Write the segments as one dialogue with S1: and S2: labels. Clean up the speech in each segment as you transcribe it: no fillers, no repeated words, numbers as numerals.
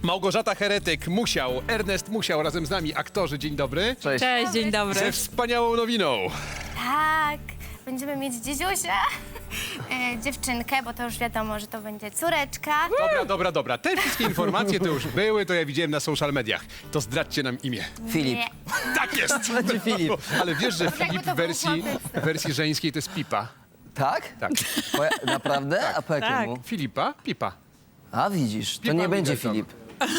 S1: Małgorzata Heretyk, Musiał, Ernest Musiał razem z nami, aktorzy, dzień dobry.
S2: Cześć.
S3: Cześć, dzień dobry.
S1: Ze wspaniałą nowiną.
S2: Tak, będziemy mieć dziedziusia, dziewczynkę, bo to już wiadomo, że to będzie córeczka.
S1: Dobra. Te wszystkie informacje to już były, to ja widziałem na social mediach. To zdradźcie nam imię.
S4: Filip.
S2: Nie.
S1: Tak jest!
S4: Będzie Filip.
S1: Ale wiesz, że
S2: Jakby
S1: Filip
S2: to
S1: w
S2: był
S1: wersji żeńskiej to jest Pipa.
S4: Tak?
S1: Tak.
S4: Naprawdę? A po jakiemu?
S1: Filipa, Pipa.
S4: A widzisz, to
S1: Pipa
S4: nie będzie
S1: Middleton.
S4: Filip.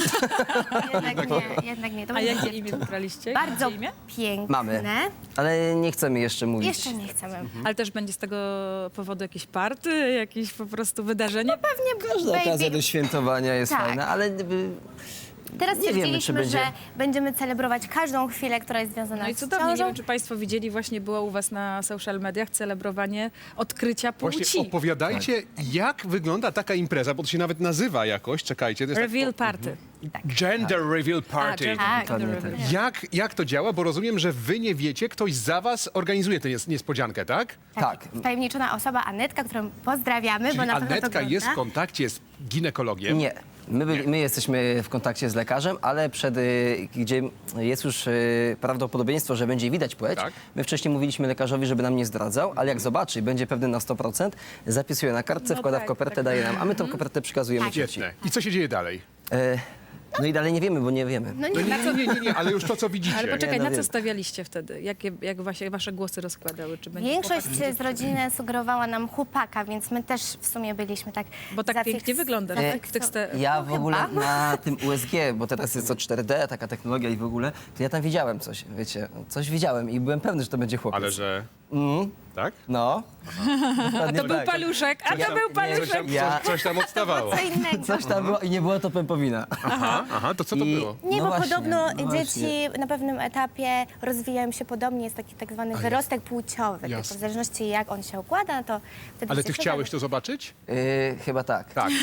S2: Jednak nie. To
S3: A
S2: będzie
S3: jakie
S2: dziewczynka.
S3: imię wybraliście?
S2: Bardzo
S3: Jakie imię?
S2: piękne.
S4: Mamy. Ale nie chcemy jeszcze mówić.
S2: Jeszcze nie chcemy.
S3: Ale też będzie z tego powodu jakieś party, jakieś po prostu wydarzenie?
S2: Pewnie
S4: Każda okazja
S2: baby.
S4: do świętowania jest
S2: Tak.
S4: fajna, ale
S2: Teraz
S4: nie wiemy, czy
S2: stwierdziliśmy,
S4: będzie.
S2: że będziemy celebrować każdą chwilę, która jest związana
S3: No i
S2: z
S3: cudownie, nie
S2: ciążą.
S3: wiem, czy państwo widzieli, właśnie było u was na social mediach celebrowanie odkrycia płci.
S1: Właśnie opowiadajcie, jak wygląda taka impreza, bo to się nawet nazywa jakoś, czekajcie. To jest
S3: Reveal party.
S1: Gender Reveal Party.
S2: Tak.
S4: Dokładnie tak.
S1: Jak to działa? Bo rozumiem, że wy nie wiecie, ktoś za was organizuje tę niespodziankę, tak?
S4: Tak.
S2: Wtajemniczona osoba Anetka, którą pozdrawiamy,
S1: Czyli
S2: bo na pewno to
S1: Anetka jest w
S2: ogląda.
S1: kontakcie z ginekologiem.
S4: Nie. My jesteśmy w kontakcie z lekarzem, ale gdzie jest już prawdopodobieństwo, że będzie widać płeć,
S1: Tak.
S4: my wcześniej mówiliśmy lekarzowi, żeby nam nie zdradzał, ale jak zobaczy i będzie pewny na 100%, zapisuje na kartce, wkłada w kopertę, daje nam, a my tą kopertę przekazujemy cioci.
S1: Świetne. I co się dzieje dalej?
S4: No i dalej nie wiemy, bo nie wiemy.
S2: No
S1: No
S2: nie,
S1: nie, ale już to, co widzicie.
S3: Ale poczekaj,
S4: no
S3: na co
S4: wiem.
S3: stawialiście wtedy? Jak właśnie wasze głosy rozkładały? Czy będzie
S2: Większość
S3: chłopak,
S2: z rodziny sugerowała nam chłopaka, więc my też w sumie byliśmy tak
S3: Bo tak pięknie wyglądasz w tych
S4: Ja
S2: No
S4: w ogóle
S2: chyba.
S4: na tym USG, bo teraz jest to 4D, taka technologia i w ogóle, to ja tam widziałem coś, wiecie, coś widziałem i byłem pewny, że to będzie chłopiec.
S1: Ale że... Tak?
S4: No.
S3: A to był paluszek, a to był paluszek.
S1: Coś tam odstawało.
S2: Co innego.
S4: Coś tam było i nie było to pępowina.
S1: Aha, to co to było?
S2: Nie,
S4: No
S2: bo
S4: właśnie,
S2: podobno
S4: no właśnie.
S2: dzieci na pewnym etapie rozwijają się podobnie, jest taki tak zwany wyrostek płciowy. Tylko
S1: Jasne.
S2: w zależności jak on się układa, no to wtedy
S1: Ale
S2: się
S1: ty
S2: szuka.
S1: chciałeś to zobaczyć?
S4: Chyba tak.
S1: Tak.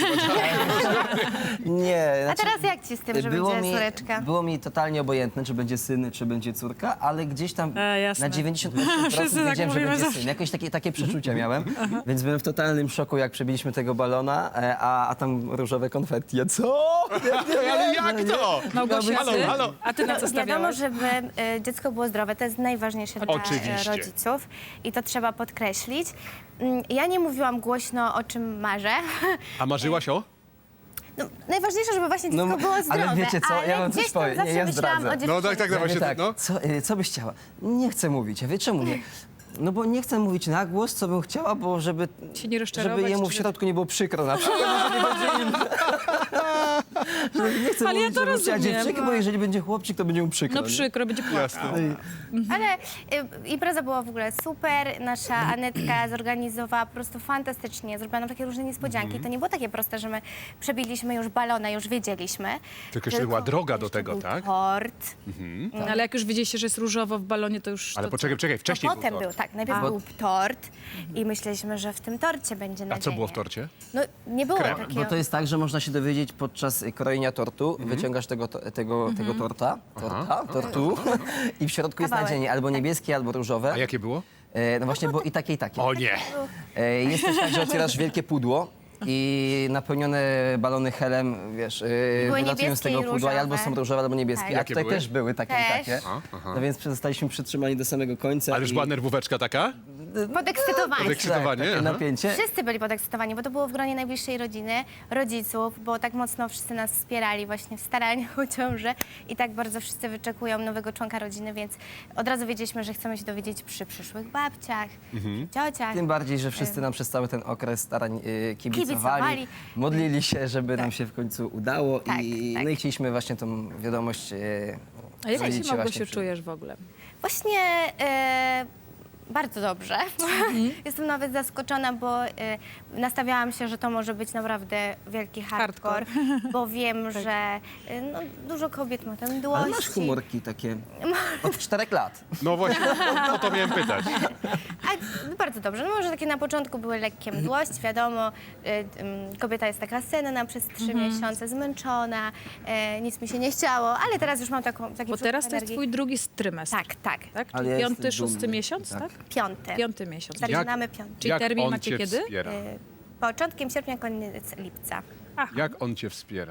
S4: Nie,
S2: A
S4: znaczy,
S2: teraz jak ci z tym, że będzie córeczka?
S4: było mi totalnie obojętne, czy będzie syn, czy będzie córka, ale gdzieś tam
S3: jasne.
S4: na 98%
S3: Wszyscy tak
S4: wiedziałem, że
S3: mówimy
S4: będzie
S3: zawsze.
S4: syn. Jakoś takie przeczucia miałem, więc byłem w totalnym szoku, jak przebiliśmy tego balona, a tam różowe konfetti. Ja co?
S1: Ale jak to?
S3: Małgosia,
S1: Halo,
S3: ty?
S1: halo.
S3: A ty na co
S2: Wiadomo,
S3: stawiałaś?
S2: żeby dziecko było zdrowe, to jest najważniejsze dla
S1: Oczywiście.
S2: rodziców i to trzeba podkreślić. Ja nie mówiłam głośno, o czym marzę.
S1: A marzyłaś o?
S2: No, najważniejsze, żeby właśnie dziecko
S4: No,
S2: było
S4: ale
S2: zdrowe,
S4: wiecie co, ja wam coś
S2: gdzieś tam
S4: powiem.
S2: zawsze
S4: Nie, ja
S2: myślałam
S4: zdradzę.
S2: o dziewczynie.
S1: No tak,
S4: Ja
S1: właśnie
S4: mówię
S1: no.
S4: co byś chciała? Nie chcę mówić. Ja wie czemu nie? No bo nie chcę mówić na głos, co bym chciała, bo żeby
S3: Się nie rozczarować,
S4: jemu w
S3: czy-
S4: środku nie było przykro na przykład, że nie będzie im... Że nie chcę
S3: Ale ja
S4: mówić,
S3: to
S4: że bym chciała
S3: rozumiem.
S4: dziewczynkę, bo jeżeli będzie chłopczyk, to będzie mu przykro.
S3: No
S4: nie?
S3: przykro, będzie płakał.
S2: Ale impreza była w ogóle super. Nasza Anetka zorganizowała po prostu fantastycznie. Zrobiła nam takie różne niespodzianki. To nie było takie proste, że my przebiliśmy już balona, już wiedzieliśmy.
S1: Tylko jeszcze była droga do
S2: jeszcze
S1: tego,
S2: był
S1: tak?
S2: Tort.
S3: No, ale jak już widzieliście, że jest różowo w balonie, to już...
S1: Ale
S3: to
S1: poczekaj,
S2: To
S1: wcześniej
S2: potem
S1: był
S2: był,
S1: tort.
S2: tak. Najpierw był tort i myśleliśmy, że w tym torcie będzie
S1: A
S2: nadzieja.
S1: co było w torcie?
S2: No nie było
S1: Krem.
S2: takiego.
S4: Bo to jest tak, że można się dowiedzieć podczas krojenia tortu, wyciągasz tego tortu i w środku jest
S2: Kawałek.
S4: nadzienie albo niebieskie, albo różowe.
S1: A jakie było?
S4: No właśnie było i takie, i takie.
S1: O nie!
S4: Jest też tak, że otwierasz wielkie pudło i napełnione balony helem, wiesz, wylatują z
S2: niebieskie
S4: tego
S2: i
S4: pudła i albo
S2: różowe.
S4: są różowe, albo niebieskie.
S2: Tak.
S4: A
S1: Jakie
S4: tutaj
S1: były?
S4: też były takie
S2: Też.
S4: i takie. No więc zostaliśmy przytrzymani do samego końca.
S1: Ale już
S4: i-
S1: była nerwóweczka taka?
S2: Podekscytowani.
S1: Podekscytowanie,
S4: Tak, takie
S1: aha.
S4: napięcie.
S2: Wszyscy byli podekscytowani, bo to było w gronie najbliższej rodziny, rodziców, bo tak mocno wszyscy nas wspierali właśnie w staraniach o ciążę i tak bardzo wszyscy wyczekują nowego członka rodziny, więc od razu wiedzieliśmy, że chcemy się dowiedzieć przy przyszłych babciach, ciociach.
S4: Tym bardziej, że wszyscy nam przez cały ten okres starań kibicowali,
S2: Kibicowali.
S4: modlili się, żeby nam się w końcu udało
S2: Tak,
S4: i,
S2: tak.
S4: no i chcieliśmy właśnie tą wiadomość
S3: A jak
S4: powiedzieć
S3: się, Małgosiu,
S4: właśnie przy-
S3: czujesz w ogóle?
S2: Właśnie bardzo dobrze. Jestem nawet zaskoczona, bo nastawiałam się, że to może być naprawdę wielki hardcore, bo wiem, że no, dużo kobiet ma tam mdłości.
S4: Ale masz humorki takie od 4 lat.
S1: No właśnie, o to miałem pytać.
S2: A, bardzo dobrze. No może takie na początku były lekkie mdłości, wiadomo, kobieta jest taka senna przez 3 miesiące, zmęczona, nic mi się nie chciało, ale teraz już mam taki
S3: Bo
S2: przepływ
S3: teraz to jest
S2: energii.
S3: twój drugi trymestr.
S2: Tak, tak.
S3: Tak?
S4: Ale
S3: Czyli
S4: ja
S3: piąty,
S4: jestem
S3: szósty
S4: dumny.
S3: miesiąc, tak?
S4: Tak.
S2: Piąty.
S3: Piąty miesiąc.
S2: Zaczynamy piąty.
S3: Czyli
S1: Jak
S3: termin
S1: on
S3: macie
S1: cię
S3: kiedy?
S1: wspiera?
S2: Początkiem sierpnia, koniec lipca.
S1: Jak on cię wspiera?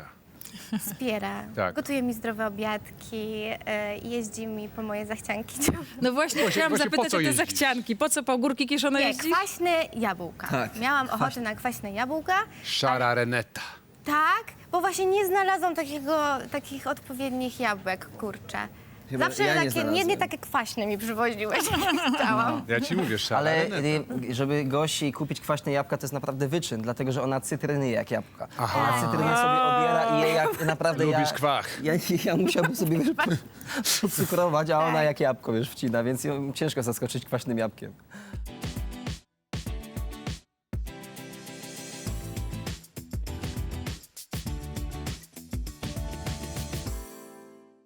S2: wspiera.
S1: Tak.
S2: Gotuje mi zdrowe obiadki, jeździ mi po moje zachcianki.
S3: No właśnie, chciałam
S1: właśnie po
S3: zapytać
S1: co
S3: o te
S1: jeździsz?
S3: zachcianki. Po co po górki kiszone
S2: Nie,
S3: jeździsz?
S2: kwaśne jabłka.
S4: Tak,
S2: Miałam ochotę na kwaśne jabłka.
S1: Szara Reneta.
S2: Tak, bo właśnie nie znalazłam takich odpowiednich jabłek, kurczę.
S4: Chyba
S2: Zawsze
S4: ja nie
S2: takie, nie
S4: znalazłem.
S2: takie kwaśne mi przywoziłeś, jak chciałam.
S1: Ja ci mówię, szara
S4: Ale
S1: Reneta.
S4: żeby gości kupić kwaśne jabłka, to jest naprawdę wyczyn, dlatego że ona cytryny je jak jabłka.
S1: Aha.
S4: Ona cytrynę sobie obiera i je jak naprawdę
S1: Lubisz kwach.
S4: Ja musiałbym sobie cukrować, a ona jak jabłko, wiesz, wcina, więc ją ciężko zaskoczyć kwaśnym jabłkiem.